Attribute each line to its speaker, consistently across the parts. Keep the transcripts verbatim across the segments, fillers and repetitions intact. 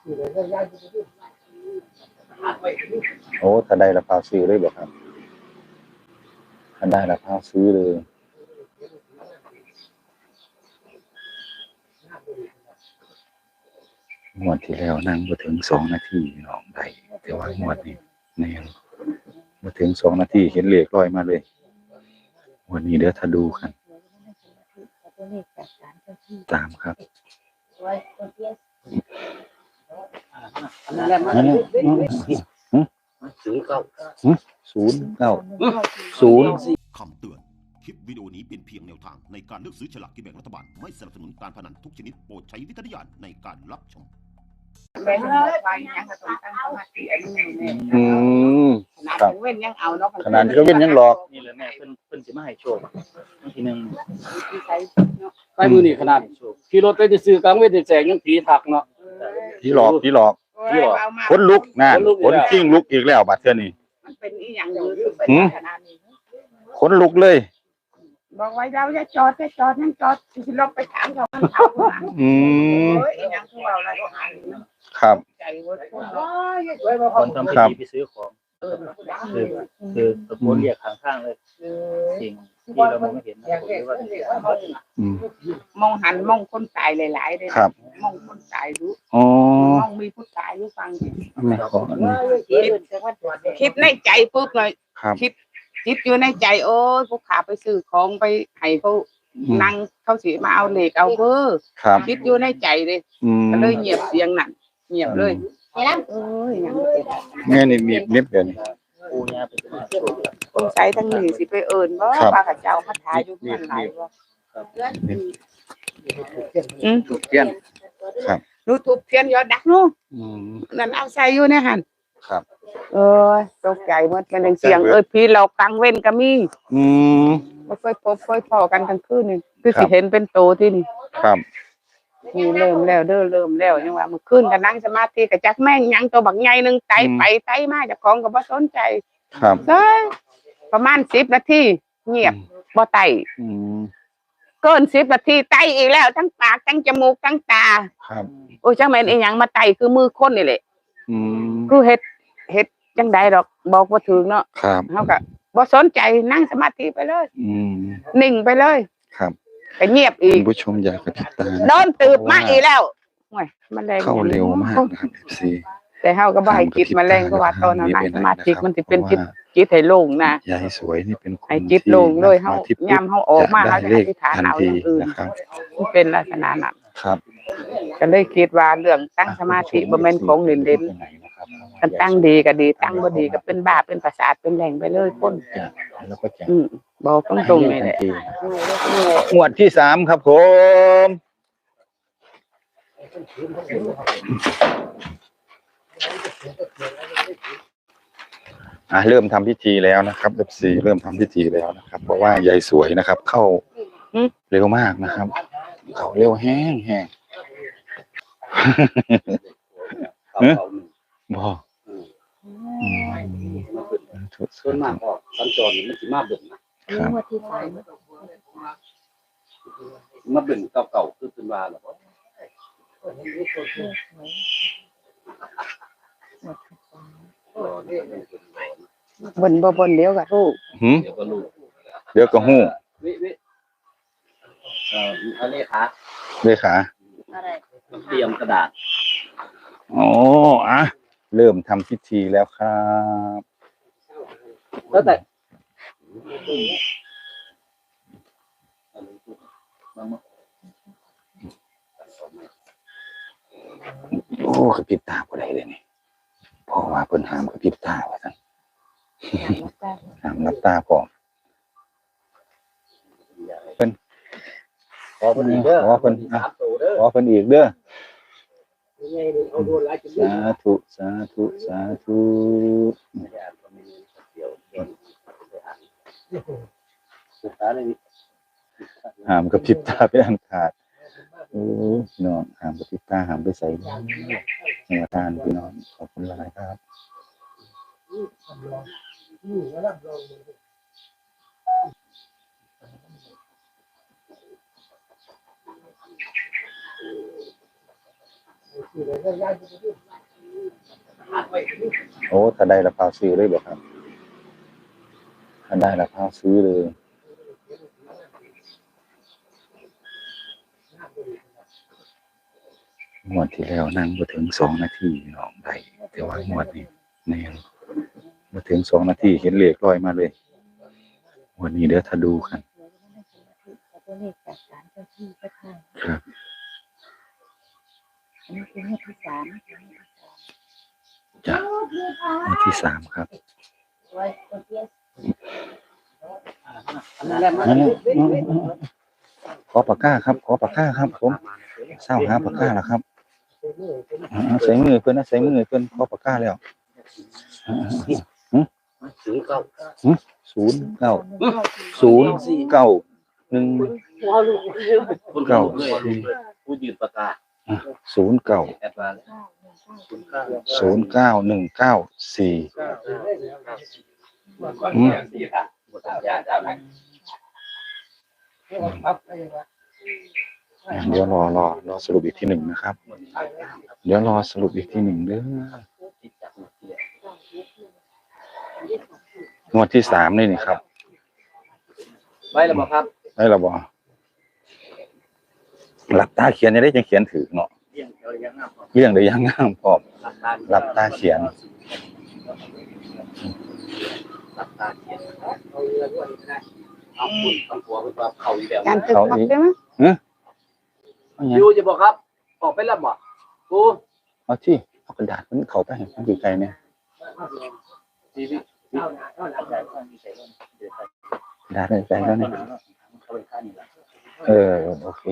Speaker 1: โอ้ถ้าได้ละพาซื้อเลยบ่ครับถ้าได้ละพาซื้อเลยงวดที่แล้วนั่งมาถึงสองนาทีน้องได้แต่ว่างวดนี้แน่มาถึงสองนาทีเห็นเลขลอยมาเลยวันนี้เดี๋ยวถ้าดูกันตามครับนั่นแหละศูนย์เก้าศูนย์เก้าศูนย์
Speaker 2: คำเตือนคลิปวิดีโอนี้เป็นเพียงแนวทางในการเลือกซื้อฉลากกินแบ่งรัฐบาลไม่สนับสนุนการพนันทุกชนิดโปรดใช้วิจารณญาณในการรับชม
Speaker 3: แม่ไปยังก็ต้องตั้งสมาธิอันนี้เนี่ย
Speaker 1: อืม
Speaker 3: ขนาดเว้นยังเอาเนาะ
Speaker 1: ขนาดที่เขาเว้นยังหลอก
Speaker 4: นี่เลยแม่เพิ่นเพิ่นสิมาให้โชคทีนึง
Speaker 5: ไปมือนี่ขนาดขี่รถไปจะซื้อกลางเวทแสงยังผีถักเนาะ
Speaker 1: ผีหลอกผีหลอกคนลุกนั่นคนจริงลุกอีกแล้วบัดเทื่อนี้
Speaker 3: มันเป็นอีหยังอยู่เป็นขนาดนี้
Speaker 1: คนลุกเลย
Speaker 3: บอกไว้เราจะจอดจะจอดยังจอดสิลบไปถามเขามันเอา
Speaker 1: อืม
Speaker 3: โอ้ยอีหยังคือเราอะไร
Speaker 1: ครับ
Speaker 3: ใจว่าคน
Speaker 4: คนทำพิธีไปซื้อของคือคือตะโกนเรียกข้างข้างเลยสิ่งที่เรามองไม่เห็นนะผมว่า
Speaker 3: มองหันมองคนตายหลายๆเลยมองคนตายรู้มองมีผู้ตายรู้ฟังคิดในใจปุ๊บเลยคิดคิดอยู่ในใจโอ้ยผู้ขาไปซื้อของไปให้เขานั่งเขาสิมาเอาเหล็กเอาเบอร์คิดอยู่ในใจเลยก็เลยเงียบเสียงนั่นเงียบเลยเอ้ยยัง
Speaker 1: แม่นี่มีเน็บเดี๋ยวนี้
Speaker 4: ปูย่าไปซื้อ
Speaker 3: สงสัยทั้งนี้สิไปเอิญบ่ว่าข้าเจ้าคาถาอยู่มันหลายบ่อืม
Speaker 1: ถูกเทียนครับ
Speaker 3: รู้ถูกเทียนยอดดักนู้นั่นเอาใส่อยู่ในหัน
Speaker 1: ครับ
Speaker 3: เออตกใจหมดกันเสียงเอ้ยพี่เรากลางเว้นก็มี
Speaker 1: อืม
Speaker 3: บ่เคยพบเคยพอกันทั้งคืนนี่คือสิเห็นเป็นโตที่นี่
Speaker 1: ครับ
Speaker 3: นี่เริ่มแล้วเด้อเริ่มแล้วยังว่าเมื่อคืนก็นั่งสมาธิก็จักแม่งยังตัวบักใหญ่นึงไตไปไตมาเจ้าของก็บ่สนใจ
Speaker 1: ครับ
Speaker 3: เอ้ยประมาณสิบนาทีเงียบบ่ไต
Speaker 1: อืม
Speaker 3: เกินสิบนาทีไตอีกแล้วทั้งปากทั้งจมูกทั้งตา
Speaker 1: ครับ
Speaker 3: โอ้ยจังแม่นอีหยังมาไตคือมือคนนี่แหละ
Speaker 1: อืม
Speaker 3: คือเฮ็ดเฮ็ดจังใดดอกบอกบ่ถึงเนาะ
Speaker 1: ครับ
Speaker 3: เฮาก็บ่สนใจนั่งสมาธิไปเลย
Speaker 1: อืม
Speaker 3: นิ่งไปเลย
Speaker 1: ครับ
Speaker 3: ก็เงียบอีก
Speaker 1: ผู้ชมอยากกระพริบตา
Speaker 3: โดนตืบมาอีกแล้วโอ้ยมันแรง
Speaker 1: เข้าเร็วมากนะครับ เอฟ ซี
Speaker 3: แต่เฮาก็บ่ให้จิตมันแรงเพราะว่าตอนนั้นนั่งสมาธิมันสิเป็นจิตจิตให้โล่งนะ
Speaker 1: ยายสวยนี่เป็นคน
Speaker 3: ให้จิตโล่งเลยเฮายามเฮาออกมาเฮาจะอธิษฐานเอาอย่างอื่น
Speaker 1: นะครับ
Speaker 3: มันเป็นลักษณะนั้น
Speaker 1: ครับ
Speaker 3: ก็เลยคิดว่าเรื่องตั้งสมาธิบ่แม่นของเล่นๆกันตั้งดีก็ดีตั้งบ่ดีก็เป็นบ้าเป็นประสาทเป็นแหล่งไปเลยคน
Speaker 1: แล้วก็จะ
Speaker 3: อืมบอกตรงๆนี่แหละ
Speaker 1: งวดที่สามครับผมอ่ะเริ่มทำพิธีแล้วนะครับ เอฟ ซี เริ่มทำพิธีแล้วนะครับเพราะว่ายายสวยนะครับเข้าเร็วมากนะครับเข้าเร็วแห้งแห้งบ่
Speaker 5: ส่วนมากออกสัญจรมันสิมาเบิ่งนะครับมาเบิ่งเก่าๆคือเป็นว่าหรอ
Speaker 3: บ่นบ่บ่นเดี๋ยวก็รู้
Speaker 1: หืมเดี๋ยวก็ฮู้
Speaker 4: เอ่อเอาเลขา
Speaker 1: เลขา
Speaker 4: เตรียมกระดาษ
Speaker 1: อ๋ออ่ะเริ่มทำพิธีแล้วครับ
Speaker 5: แล้วแต่
Speaker 1: โอ้กระพริบตาบ่ได้เลยนี่เพราะว่าเพิ่นห้ามกระพริบตาว่าซั่นห้ามรับตาพร้อมเพิ่น
Speaker 5: ขอเพิ่นอีกเด้อ
Speaker 1: ขอเพิ่นขอเพิ่นอีกเด้อสาธุสาธุสาธุห้ามกระพริบตาเป็นอันขาดโอ้พี่น้องห้ามกระพริบตาห้ามไปใส่ในอาการพี่น้องขอบคุณหลายครับโอ้ถ้าได้ละพาซื้อเลยเหรอครับถ้าได้ละพาซื้อเลยงวดที่แล้วนั่งมาถึงสองนาทีน้องได้แต่ว่างวดนี้แน่มาถึงสองนาทีเห็นเลขลอยมาเลยวันนี้เดี๋ยวถ้าดูกันครับจ้ะงวดที่สามครับนั่นแหละขอปากกาครับขอปากกาครับผมเศร้าหาปากกาแล้วครับใส่มือเพื่อนนะใส่มือเพื่อนขอปากกาแล้วศูนย์เก้าศูนย์เก้าศูนย์เก้าหนึ่งเก้า
Speaker 4: ผู้ยืนประกาศ
Speaker 1: ศูนย์เก้าศูนย์เก้าหนึ่งเก้าสี่เดี๋ยวรอรอรอสรุปอีกทีหนึ่งนะครับเดี๋ยวรอสรุปอีกทีหนึ่งเด้องวดที่สามนี่นี่ครับ
Speaker 4: ไว้แล้วบ่ครับ
Speaker 1: ได้ระบอหลับตาเขียนจะได้จะเขียนถือเนาะเรื่องเดี๋ยวยังงามพร้อมหลับตาเขียน
Speaker 4: หลับตาเขียนเอาเรือด้วยก็ได้เอาคุณเอาหัวไปปรับเข่าอีกแล้ว
Speaker 3: การตึกพักใช่ไหม
Speaker 4: ยูจะบอกครับออกไปแล้วบ่กู
Speaker 1: เอาที่เอากระดาษมันเขาไปให้มันอยู่ไกลเนี่ยกระดาษไปไกลแล้วเนี่ยเออโอเค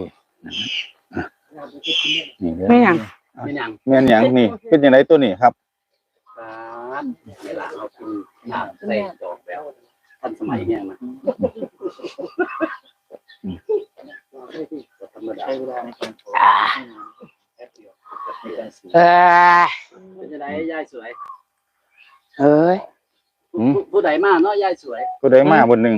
Speaker 1: นี่เลย
Speaker 3: ไม่ยัง
Speaker 4: ไม่ยัง
Speaker 1: แม่นยังนี่เป็นยังไงตัวนี้ครับ
Speaker 4: ครับเวลาเรากินน้ำใส่ดอกแล้วทันสมัยเนี่ยนะธรรมดาใช้เวลาในการโทรแป๊บเดียว
Speaker 3: เออ
Speaker 4: เป็นจะได้ยายสวย
Speaker 3: เอ้ย
Speaker 4: ผู้ใดมาเนาะยายสวย
Speaker 1: ตัวใดมาบนหนึ่ง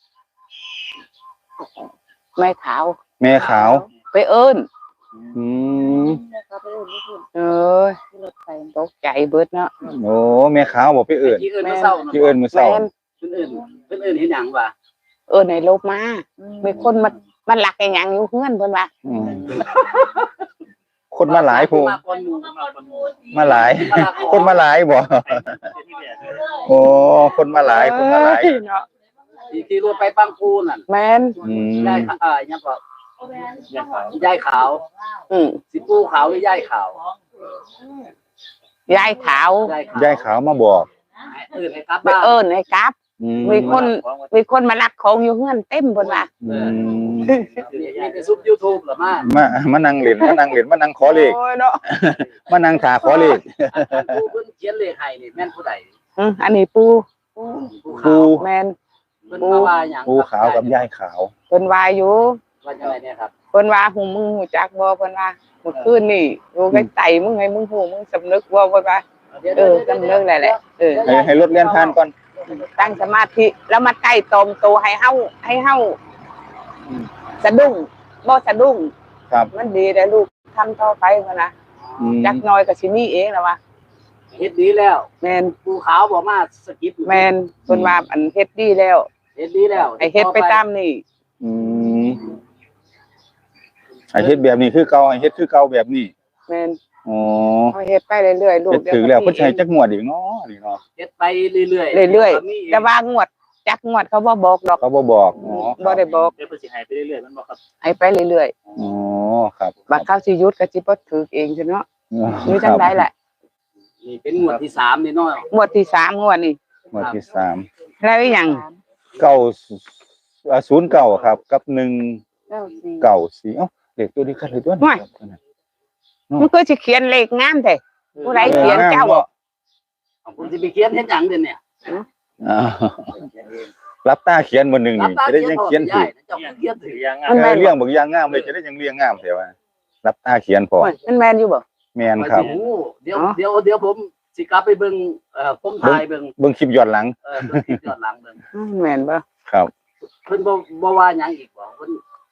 Speaker 3: แม่ขาว
Speaker 1: แม่ขาว
Speaker 3: ไปเอิ้น
Speaker 1: อืม
Speaker 3: เอ้ยตกใจเบิดเนาะ
Speaker 1: โอ้แม่ขาวบอกไปเอิญ
Speaker 4: ที่อื่นมาเศร้า
Speaker 1: ที่เอิญมือเศร้า
Speaker 3: แม่น
Speaker 4: เพื่อนอื่นเพื่อนอื่นเห็นอย่างว่า
Speaker 3: เอิ้นให้ลบมามีคนมามันหลักไอ้หยังอยู่เฮือนเพิ่นว่า
Speaker 1: อืมคนมาหลายผู้
Speaker 4: มาคนหมู่มาคนหมู่
Speaker 1: มาหลาย คนมาหลายบ่โอ้คนมาหลายคนมาหลาย
Speaker 3: เอ้เนาะ
Speaker 4: ที่ที่รถไปปังคูนั่น
Speaker 3: แม่น
Speaker 1: อืม
Speaker 4: ยายเอ่อยังก็ยายขาว
Speaker 3: อืม
Speaker 4: สิปูขาวหรือยายขาว
Speaker 3: ยายขาว
Speaker 4: ยายขาว
Speaker 1: ยายขาวมาบอก
Speaker 4: อื่นให้กลับ
Speaker 3: ไป
Speaker 4: บ้าน
Speaker 3: เอิ้นให้กลับ
Speaker 1: อืม
Speaker 3: มีคนมีคนมาลักของอยู่เฮือนเต็มเพิ่นว่า
Speaker 1: อืม
Speaker 4: มีแต่ซุป YouTube เหรอมา
Speaker 1: มามานั่งเล่นมานั่งเล่นมานั่งขอเลข
Speaker 3: โอ้ยเนาะ
Speaker 1: มานั่งถาขอเลข
Speaker 4: ผู้เพิ่นเขียนเลขให้นี่แม่นผู้ใด
Speaker 3: อืมอันนี้ปู
Speaker 4: ผู้
Speaker 1: ปู
Speaker 4: ขาว
Speaker 3: แม่น
Speaker 4: เพิ่นมาว่าหยัง
Speaker 1: ปูขาวกับยายขาว
Speaker 3: เพิ่นว่าอยู่
Speaker 4: ว่าจังไดเนี่ยครับ
Speaker 3: เพิ่นว่าหูมึงหูจักบ่เพิ่นว่าเมื่อคืนนี่อยู่ใกล้ไตมึงให้มึงหูมึงสำนึกบ่เพิ่นว่าเออสำนึกแหละแหละเออ
Speaker 1: ให้ให้รถเลี้ยนผ่านก่อน
Speaker 3: ตั้งสมาธิแล้วมาใต้ตมโตให้เฮาให้เฮาสะดุ้งบ่สะดุ้ง
Speaker 1: ครับ
Speaker 3: มันดีแต่ลูกทำต่อไปเพิ่นน่ะ
Speaker 1: อืม
Speaker 3: จักหน่อยก็สิมีเองแล้วว่า
Speaker 4: เฮ็ดดีแล้ว
Speaker 3: แม่น
Speaker 4: ผู้ขาวบอกมาสกิป
Speaker 3: แม่นเพิ่นว่าอันเฮ็ดดีแล้ว
Speaker 4: เฮ็ดดีแล้ว
Speaker 3: ให้เฮ็ดไปตามนี่
Speaker 1: อืมไอ้เฮ็ดแบบนี้คือเก่าไอ้เฮ็ดคือเก่าแบบนี้
Speaker 3: แม่น
Speaker 1: อ๋อ
Speaker 3: เฮาเฮ็ดไปเรื่อยๆลูก
Speaker 1: เฮ็ดถึงแล้วเพิ่นสิให้จักงวดอีกเนาะนี่เนาะ
Speaker 4: เฮ็ดไปเรื่อยๆ
Speaker 3: เรื่อย
Speaker 4: มี
Speaker 3: ๆแต่ว่างวดจักงวดเขาบ่บอกดอก
Speaker 1: เขาบ่บอกอ๋อ
Speaker 3: บ่ได้บอก
Speaker 4: เดี๋ยวเพิ่นสิให้ไปเรื่อยๆมันบ่ครับ
Speaker 3: ให้ไปเรื่อย
Speaker 1: อ๋อครับ
Speaker 3: ๆบัดเขาสิหยุดก็สิบ่ถูกเองซั่นเนาะมีจังได๋แหละ
Speaker 4: นี่เป็นงวดที่สามนี่เนาะ
Speaker 3: งวดที่สามงวดนี่
Speaker 1: งวดที่สาม
Speaker 3: แล้วอีหยัง
Speaker 1: เก้าอ่าศูนย์เก้าครับ กับหนึ่ง
Speaker 3: เก้าสี่
Speaker 1: เก้าสี่เอ้าเลขตัวนี้กันเลยตัวนี้ครับ
Speaker 3: มันก็สิเขียนเลขงามแท้ผู้ใดเขียนเจ้า
Speaker 4: ผมสิไปเขียนเฮ็ดหยังเดี๋ยวนี้
Speaker 1: อ้าวรับตาเขียนบนหนึ่งนี่จะได้ยังเขียนถูก
Speaker 4: เจ้าเขียนถือยัง
Speaker 1: เออเรื่องบางอย่างงามเลยจะได้ยังเรียงงามแต่ว่ารับตาเขียนพอ
Speaker 3: โอ้ยมันแม่นอยู่บ่
Speaker 1: แมนครับ
Speaker 4: เดี๋ยวเดี๋ยวเดี๋ยวผมสิกลับไปเบิ่งเอ่อผมถ่ายเบิ่ง
Speaker 1: เบิ่งคลิปย้อนหลัง
Speaker 4: เออเบิ่งคลิปย้อนหลังเบิ่ง
Speaker 3: อืมแม่นบ่
Speaker 1: ครับ
Speaker 4: เพิ่นบ่บ่ว่าหยังอีกบ่เพิ่น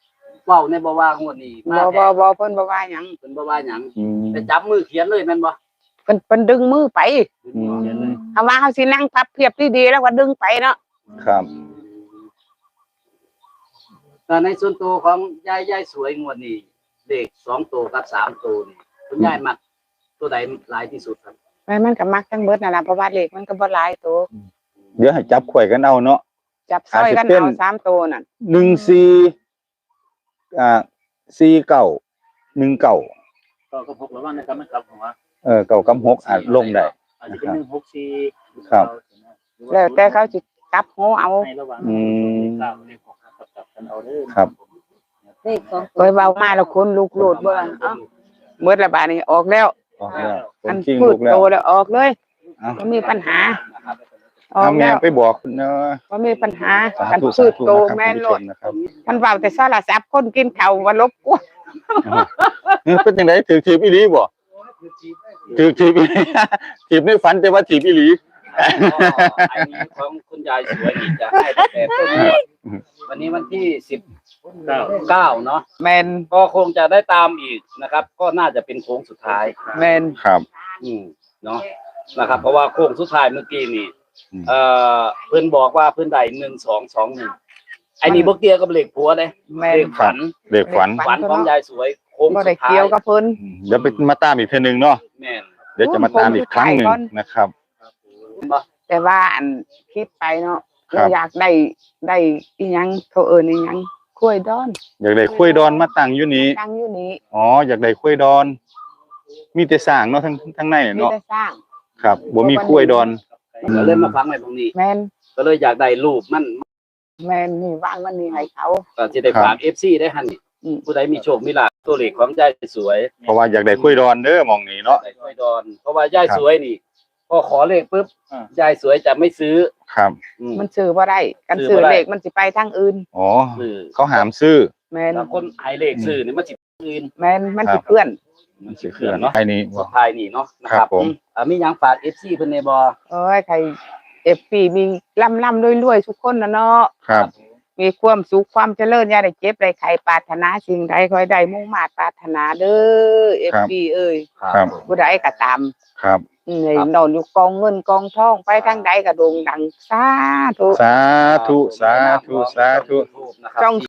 Speaker 5: เว้าในบ่ว่างวดนี้
Speaker 3: บ่
Speaker 5: มา
Speaker 3: บ่
Speaker 5: แท้
Speaker 3: บ่เพิ่นบ่ว่าหยัง
Speaker 5: เพิ่นบ่ว่าหยัง
Speaker 1: อืม
Speaker 5: ไปจับมือเขียนเลยแม่นบ่
Speaker 3: เพิ่นเพิ่นดึงมือไป
Speaker 1: อืม
Speaker 3: ถ้าว่าเขาสินั่งพับเพียบดีๆแล้วก็ดึงไปเนาะ
Speaker 1: ครับ
Speaker 5: แต่ในส่วนตัวของยายยายสวยงวดนี้เลขสองตัวกับสามตัวนี่คุณยายมักตัวใดหลายที่สุดครับ
Speaker 3: แม่มันก็มักทั้งเบิดนั่นล่ะเพราะว่าเลขมันก็บ่หลายตัว
Speaker 1: เดี๋ยวให้จับข่อยกันเอาเนาะ
Speaker 3: จับซอยกัน
Speaker 1: อาจจะเป็น
Speaker 3: เอาสามตัวนั่น
Speaker 1: หนึ่งสี่อ่าสี่เก้าหนึ่งเก้า
Speaker 4: ก็ก็พกระวังนะครับมันกลับหัว
Speaker 1: เออเก้ากับหกอาจลงได้
Speaker 4: อาจจะเป็นหนึ่งหกสี่
Speaker 1: ครับ
Speaker 3: แล้วแต่เขาสิกลับหัวเอา
Speaker 4: ให้ระวัง
Speaker 1: อืม
Speaker 4: เก้าเลขหกกลับกลับกันเอาเด้อ
Speaker 1: ครับ
Speaker 6: เลขสอง
Speaker 3: โดยเบามาแล้วคนลุกโลดเบิ่งเอ้าเบิดละบาดนี้ออกแล้ว
Speaker 1: ออกแล้วค
Speaker 3: อั
Speaker 1: น
Speaker 3: น
Speaker 1: คิง
Speaker 3: พู
Speaker 1: ลู
Speaker 3: ด
Speaker 1: กแล้
Speaker 3: โต
Speaker 1: ว
Speaker 3: แล้วออกเลย
Speaker 1: เอา
Speaker 3: บ่มีปัญหาออ
Speaker 1: เอา
Speaker 3: ก
Speaker 1: แม่
Speaker 3: แล้ว
Speaker 1: ไปบอกคุณเนาะ
Speaker 3: บ่มีปัญหา
Speaker 1: สา
Speaker 3: กัน
Speaker 1: ธุ
Speaker 3: พู
Speaker 1: สา
Speaker 3: ด
Speaker 1: ธุ
Speaker 3: โต
Speaker 1: นะครับ
Speaker 3: แม่น
Speaker 1: คุณ
Speaker 3: โล
Speaker 1: ผู้ช
Speaker 3: ด
Speaker 1: มนะครับ
Speaker 3: มันเว้าแต่โทรศัพท์คนกินข้าวว่าลบกวน
Speaker 1: เออเป็นจังไดถือถีบอีหลีบ่ถือถีบอีหลี ถีบในฝันแต่ว่าถีบอีหลี
Speaker 5: อันนี้ของคุณยายสวยนี่จะให้ตั้งแต่ต้นงวดวันนี้วันที่สิบ
Speaker 4: เก้า
Speaker 5: เก้าเนาะ
Speaker 3: แม่น
Speaker 5: ก็คงจะได้ตามอีกนะครับ ก็น่าจะเป็นโค้งสุดท้าย
Speaker 3: แม่น
Speaker 1: ครับ
Speaker 5: อืมเนาะนะครับ เพราะว่าโค้งสุดท้ายเมื่อกี้นี่
Speaker 1: อืม
Speaker 5: เอ่อเพื่อนบอกว่าเพื่อนได้หนึ่งสองสองหนึ่งไอ้นี่บ่เกี่ยวกับเลขผัวเลย
Speaker 3: แม่น
Speaker 5: เลขฝัน
Speaker 1: เด็กฝัน
Speaker 5: ฝันของยายสวยโค้ง
Speaker 3: บ่
Speaker 5: สุ
Speaker 3: ได้
Speaker 5: ดท้าย
Speaker 3: เกี่ยวกับเพิ่น
Speaker 1: อืมเดี๋ยวไปมาตามอีกเทื่อนึงเนาะ
Speaker 5: แม่น
Speaker 1: เดี๋ยวจะมาตามอีกครั้งหนึ่งนะครับ
Speaker 5: บ่
Speaker 3: แต่ว่าอันคิดไปเนาะ
Speaker 1: ครับ
Speaker 3: เราอยากได้ได้อีหยังเขาเอิ้นอีหยังกล้วยดอน
Speaker 1: อยากได้คุยดอนมาตั้งอยู่นี้
Speaker 3: ตั้งอยู่นี้
Speaker 1: อ๋ออยากได้คุยดอน มีแต่สร้างเนาะทั้งทั้งใน
Speaker 3: มี
Speaker 1: เนาะ
Speaker 3: แต่สร้าง
Speaker 1: ครับบ่มีคุยดอน
Speaker 5: ก็เลยมาฟังในตรงนี้
Speaker 3: แม่น
Speaker 5: ก็เลยอยากได้รูปมัน
Speaker 3: แม่นนี่วางมันนี่ให้เขา
Speaker 5: ก็สิได้ฝาก เอฟ ซี ได้หั่นนี่
Speaker 3: อืม
Speaker 5: ผู้ใดมีโชคมีลาภตัวเลขของยายสวย
Speaker 1: เพราะว่าอยากได้คุยดอนเด้อหมองนี้เนาะ
Speaker 5: ได้ค่อยดอน เพราะว่ายายสวยนี่พอขอเลขปุ๊บ
Speaker 4: อ่า
Speaker 5: ยายสวยจะไม่ซื้อ
Speaker 1: ครับ
Speaker 5: อืม
Speaker 3: มันซื้อบ่ได้กัน
Speaker 5: ซื้
Speaker 3: ซื้
Speaker 5: อ
Speaker 3: อ
Speaker 5: บ่ได้
Speaker 3: เลขมันสิไปทางอื่น
Speaker 1: อ๋อ
Speaker 5: ซื้อ
Speaker 1: เขาหามซื้อ
Speaker 3: แม่น
Speaker 5: ถ้าคนให้เลขซื้อนี่มันสิอื่น
Speaker 3: แม่นมัน
Speaker 1: ครั
Speaker 3: สิ
Speaker 1: บ
Speaker 3: เพื่อน
Speaker 1: มันสิเคลื่อนเนาะไอ้นี่
Speaker 5: สุดท้ายนี่เนาะนะค
Speaker 1: ครั
Speaker 5: รับบ
Speaker 1: ผม
Speaker 5: อ่ามีหยังฝาก เอฟ ซี เพิ่นในบ่
Speaker 3: โอ้ยใครเอฟซีมีล่ำๆรวยๆทุกคนนะเนาะ
Speaker 1: ครับ
Speaker 3: มีความสุขความเจริญอย่าได้เจ็บได้ไข้ปรารถนาสิ่งใดขอให้ได้มุ่งมาตรปรารถนาเด้อเอฟซีเอ้ย
Speaker 1: ครับ
Speaker 3: ผู้ใดก็ตาม
Speaker 1: ครับ
Speaker 3: อืมให้นอนอยู่กองเงินกองทองไปทางใดก็โด่งดังสาธุ
Speaker 1: สาธุสาธุสาธุ
Speaker 5: นะครับ
Speaker 3: จ้อง